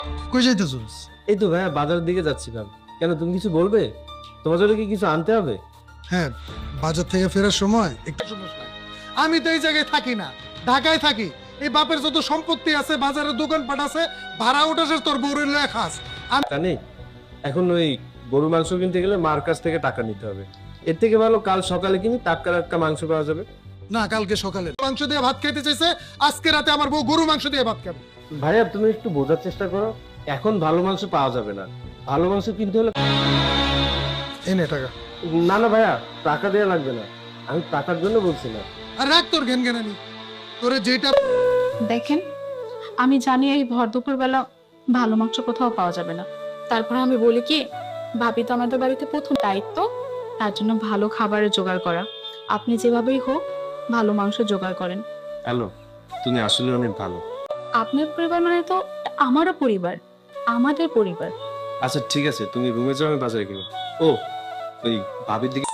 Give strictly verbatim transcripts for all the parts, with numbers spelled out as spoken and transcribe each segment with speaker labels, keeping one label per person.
Speaker 1: কই যাইতেছস?
Speaker 2: এই তো ভাইয়া বাজারের দিকে যাচ্ছিলাম। কেন, তুমি কিছু বলবে? তোমার জন্য কি কিছু আনতে হবে?
Speaker 1: হ্যাঁ, বাজার থেকে ফেরার সময় একটু সমস্যা। আমি তো এই জায়গায় থাকি না, ঢাকায় থাকি। এই বাপের যত সম্পত্তি আছে, বাজারের দোকানপাট আছে, ভাড়া উঠাসের তোর বউরের লয়ে খাস। আমি
Speaker 2: জানি এখন ওই গরু মাংস কিনতে গেলে মার কাছ থেকে টাকা নিতে হবে। এর থেকে ভালো কাল সকালে কিনি, টাটকা টাটকা মাংস পাওয়া যাবে।
Speaker 1: না, কালকে সকালে মাংস দিয়ে ভাত খাইতে চাইছে, আজকে রাতে আমার বউ গরু মাংস দিয়ে ভাত খাবে।
Speaker 2: ভাইয়া তুমি একটু বোঝার চেষ্টা করো, এখন ভালো মাংস পাওয়া যাবে না। ভালো মাংস কিনতে হলে
Speaker 1: এনে টাকা।
Speaker 2: না না ভাইয়া, টাকা দেওয়া লাগবে না, আমি টাকার জন্য বলছি না।
Speaker 1: আর রাখ তোর জ্ঞান জ্ঞানানি, তোরে যেটা।
Speaker 3: দেখেন, আমি জানি এই ভর দুপুর বেলা ভালো মাংস কোথাও পাওয়া যাবে না। তারপর আমি বলি কি, ভাবি তো আমাদের বাড়িতে প্রথম দায়িত্ব, তার জন্য ভালো খাবারের জোগাড় করা। আপনি যেভাবেই হোক ভালো মাংস জোগাড় করেন।
Speaker 2: হ্যালো, তুমি আসলে অনেক ভালো।
Speaker 3: আপনার পরিবার মানে তো আমারও পরিবার, আমাদের পরিবার।
Speaker 2: আচ্ছা ঠিক আছে, তুমি রুমে যাও, আমি বাজারে কিনো। ও ওই ভাবির দিকে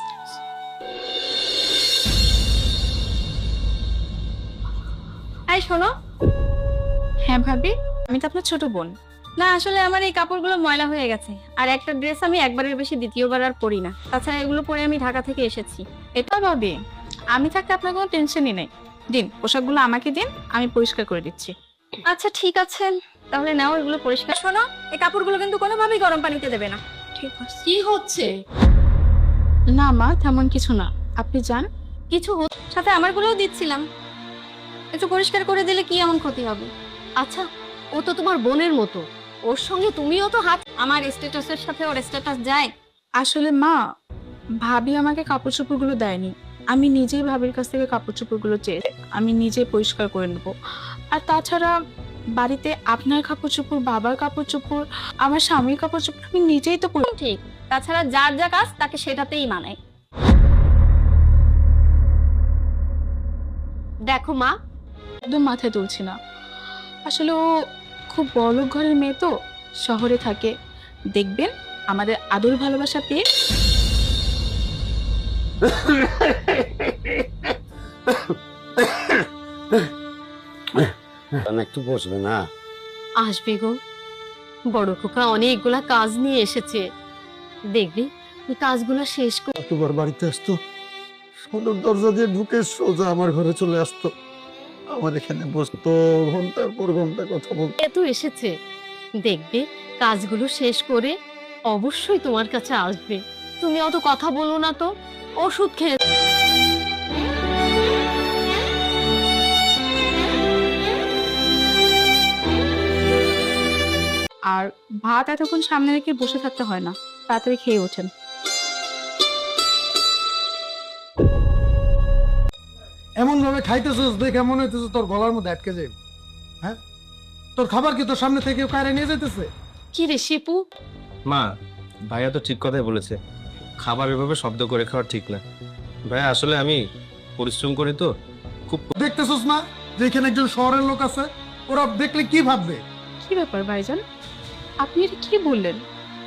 Speaker 4: এই শোনো,
Speaker 3: হ্যাঁ ভাবি, আমি তো আপনার ছোট বোন।
Speaker 4: না আসলে আমার এই কাপড়গুলো ময়লা হয়ে গেছে, আর একটা ড্রেস আমি একবারের বেশি দ্বিতীয়বার আর পরি না। তাছাড়া এগুলো পরে আমি ঢাকা থেকে এসেছি।
Speaker 3: এটা ভাবি, আমি থাকতে আপনার কোনো টেনশনই নেই। দিন, পোশাকগুলো আমাকে দিন, আমি পরিষ্কার করে দিচ্ছি।
Speaker 4: আচ্ছা ঠিক আছে, তাহলে নাও এগুলো পরিষ্কার। শোনো, এই কাপড়গুলো কিন্তু কোনোভাবেই গরম পানিতে দেবে না।
Speaker 3: ঠিক আছে।
Speaker 4: কি হচ্ছে?
Speaker 3: না মা, তেমন কিছু না, আপনি যান।
Speaker 4: কিছু হচ্ছে সাথে আমারগুলোও দিচ্ছিলাম, একটু পরিষ্কার করে দিলে কি এমন ক্ষতি হবে? আচ্ছা, ও তো তোমার বোনের মতো, ওর সঙ্গে তুমিও তো হাত। আমার স্ট্যাটাসের সাথে ওর স্ট্যাটাস যায়?
Speaker 3: আসলে মা, ভাবি আমাকে কাপড় চোপড়গুলো দেয়নি, আমি নিজেই ভাবির কাছ থেকে কাপড় চোপড়গুলো চেয়ে আমি নিজেই পরিষ্কার করে নেব। আর তাছাড়া বাড়িতে আপনার কাপড় চোপড়, বাবার কাপড় চোপড়, আমার স্বামীর কাপড় চোপড় আমি নিজেই তো পরি-
Speaker 4: ঠিক, তাছাড়া যার যা কাজ তাকে সেটাতেই মানায়। দেখো মা,
Speaker 3: একদম মাথায় তুলছি না। আসলে ও খুব বড়লোক ঘরের মেয়ে তো, শহরে থাকে। দেখবেন আমাদের আদর ভালোবাসা পেয়ে
Speaker 5: একটু বসবে না?
Speaker 4: আসবে গো, বড় খোকা অনেকগুলা কাজ নিয়ে এসেছে, দেখবি ওই কাজগুলো শেষ করে।
Speaker 5: তোমার বাড়িতে আসতো, সদর দরজা দিয়ে ঢুকে সোজা আমার ঘরে চলে আসতো, আমার এখানে বসতো, ঘন্টার পর ঘন্টা কথা বলতো।
Speaker 4: এ তো এসেছে, দেখবে কাজগুলো শেষ করে অবশ্যই তোমার কাছে আসবে। তুমি অত কথা বলো না তো, ওষুধ খেয়ে।
Speaker 3: আর ভাত এতক্ষণ সামনে রেখে বসে থাকতে হয় না, তাড়াতাড়ি খেয়ে ওঠেন।
Speaker 1: এমন ভাবে খাইতেছস দেখে মনে হইতেছে তোর গলার মধ্যে আটকে যাবে। হ্যাঁ, তোর খাবার কি তোর সামনে থেকে কারে নিয়ে যাইতেছে?
Speaker 4: কি রে শিপু,
Speaker 2: মা, ভাইয়া তো ঠিক কথাই বলেছে, খাবার এভাবে শব্দ করে খাওয়া ঠিক না। ভাইয়া আসলে আমি পরিশ্রম করি তো খুব।
Speaker 1: দেখতেছস না যে এখানে একজন শহরের লোক আছে, ওরা দেখলে কি ভাববে?
Speaker 3: কি ব্যাপার ভাইজান, আপনি এটা কি বললেন?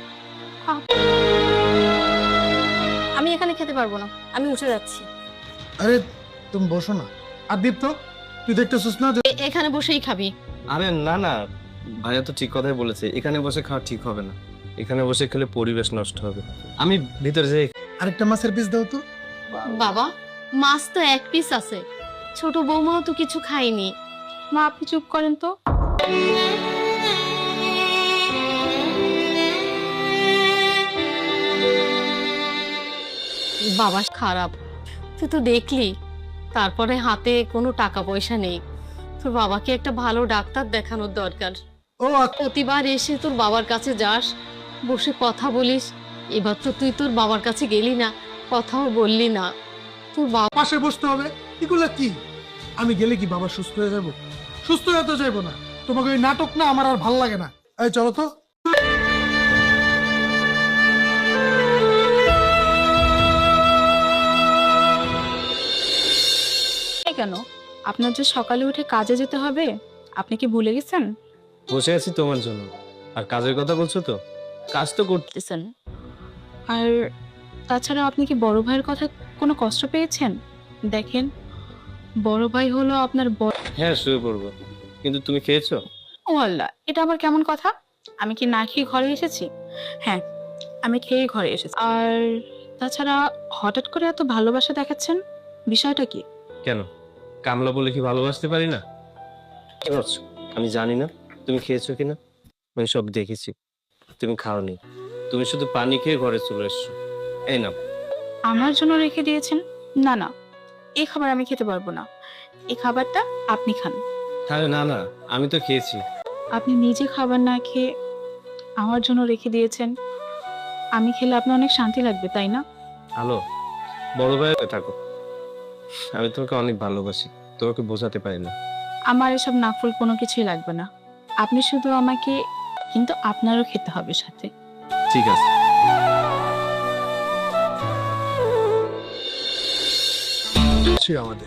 Speaker 4: আমি এখানে খেতে পারবো না, আমি উঠে যাচ্ছি।
Speaker 1: আরে তুমি বসো না। আর দীপ্ত, তুই দেখতেছস না যে
Speaker 4: এ- এখানে বসেই খাবি?
Speaker 2: আরে না না, ভাইয়া তো ঠিক কথাই বলেছে, এখানে বসে খাওয়া ঠিক হবে না, এখানে বসে খেলে পরিবেশ নষ্ট হবে। আমি ভিতরে যাই।
Speaker 1: আরেকটা মাছের পিস দাও তো।
Speaker 4: বাবা, মাছ তো এক পিস আছে, ছোট বৌমাও তো কিছু খায়নি।
Speaker 3: মা আপনি চুপ করেন তো।
Speaker 4: বাবা খারাপ, তুই তো দেখলি, তারপরে হাতে কোনো টাকা পয়সা নেই। তোর বাবাকে একটা ভালো ডাক্তার দেখানোর দরকার।
Speaker 1: ও আচ্ছা,
Speaker 4: প্রতিবার এসে তোর বাবার কাছে যাস, বসে কথা বলিস, এবার তো তুই তোর বাবার কাছে গেলি না, কথাও বললি না। তোর বাবা
Speaker 1: পাশে বসতে হবে, এগুলা কি? আমি গেলে কি বাবা সুস্থ হয়ে যাব? সুস্থ হয়ে তো যাইবো না। তোমাকে ওই নাটক না আমার আর ভাল লাগে না। এই চলো তো।
Speaker 3: এই কেন, আপনার যে সকালে উঠে কাজে যেতে হবে, আপনি কি ভুলে গেছেন?
Speaker 2: বসে আছি তোমার জন্য, আর কাজের কথা বলছো তো, কাজ তো করতে।
Speaker 3: করতেছেন। আর তাছাড়া আপনি কি বড় ভাইয়ের কথা কোনো কষ্ট পেয়েছেন? দেখেন, বড় ভাই হলো আপনার বড়।
Speaker 2: হ্যাঁ শুয়ে পড়বো, কিন্তু তুমি খেয়েছো?
Speaker 3: ও আল্লাহ, এটা আবার কেমন কথা? আমি কি না খেয়ে ঘরে এসেছি? হ্যাঁ, আমি খেয়ে ঘরে এসেছি। আর তাছাড়া হঠাৎ করে এত ভালোবাসা দেখাচ্ছেন, বিষয়টা কি?
Speaker 2: কেন, কামলা বলে কি ভালোবাসতে পারি না? কি ভাবছো আমি জানি না তুমি খেয়েছো কিনা? আমি সব দেখেছি। তুমি খাওনি, তুমি শুধু পানি খেয়ে ঘরে চলে এসছো। এই না,
Speaker 3: আমার জন্য রেখে দিয়েছেন? না না, এই খাবার আমি খেতে পারবো না। এই খাবারটা আপনি খান।
Speaker 2: আরে না না, আমি তো খেয়েছি।
Speaker 3: আপনি নিজে খাবার না খেয়ে আমার জন্য রেখে দিয়েছেন। আমি খেলে আপনার অনেক শান্তি লাগবে, তাই না?
Speaker 2: হ্যালো, বড় ভাই হয়ে থাকো। আমি তোমাকে অনেক ভালোবাসি, তোমাকে বোঝাতে পারি না।
Speaker 3: আমার এসব নাফুল কোনো কিছুই লাগবে না। আপনি শুধু আমাকে, কিন্তু আপনারও খেতে হবে সাথে।
Speaker 2: ঠিক আছে।
Speaker 1: ছি আমাদের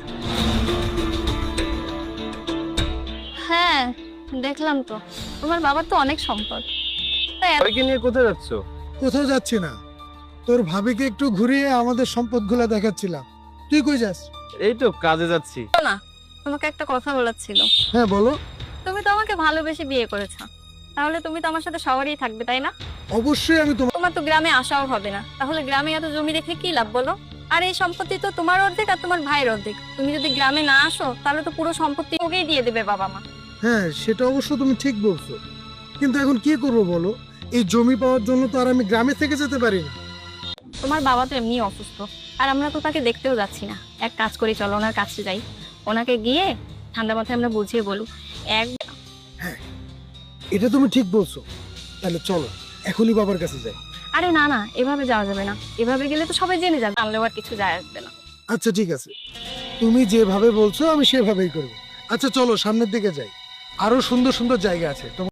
Speaker 4: হ্যাঁ দেখলাম তো, তোমার বাবার তো অনেক সম্পদ। তা এত-
Speaker 2: সবাইকে নিয়ে কোথায় যাচ্ছ?
Speaker 1: কোথাও যাচ্ছি না, তোর ভাবিকে একটু ঘুরিয়ে আমাদের সম্পদগুলো দেখাচ্ছিলাম। তুই কই যাস?
Speaker 2: এই তো কাজে যাচ্ছি।
Speaker 4: না, তোমাকে একটা কথা বলার ছিল।
Speaker 1: হ্যাঁ বলো।
Speaker 4: তুমি তো আমাকে ভালোবেসে বিয়ে করেছো, তাহলে তুমি তো আমার সাথে শহরেই থাকবে, তাই না?
Speaker 1: অবশ্যই আমি তোমার
Speaker 4: তোমার তো গ্রামে আসাও হবে না, তাহলে গ্রামে এত জমি রেখে কি লাভ বলো? আর এই সম্পত্তি তো তোমার অর্ধেক আর তোমার ভাইয়ের অর্ধেক। তুমি যদি গ্রামে না আসো তাহলে তো পুরো সম্পত্তি ওকেই দিয়ে দেবে বাবা মা।
Speaker 1: হ্যাঁ সেটা অবশ্য তুমি ঠিক বলছো, কিন্তু এখন কি করবো বলো? এই জমি পাওয়ার জন্য তো আর আমি গ্রামে থেকে যেতে পারি না।
Speaker 4: তোমার বাবা তো এমনি অসুস্থ, আর আমরা তো তাকে দেখতেও যাচ্ছি না। এক কাজ করি, চলো ওনার কাছে যাই, ওনাকে গিয়ে ঠান্ডা মাথায় আমরা বুঝিয়ে বলু। এক
Speaker 1: এটা তুমি ঠিক বলছো, তাহলে চলো এখনই বাবার কাছে যাই।
Speaker 4: আরে না না, এভাবে যাওয়া যাবে না। এভাবে গেলে তো সবাই জেনে যাবে, জানলেও আর কিছু যায় আসবে না।
Speaker 1: আচ্ছা ঠিক আছে, তুমি যেভাবে বলছো আমি সেভাবেই করবো। আচ্ছা চলো সামনের দিকে যাই, আরো সুন্দর সুন্দর জায়গা আছে। তোমার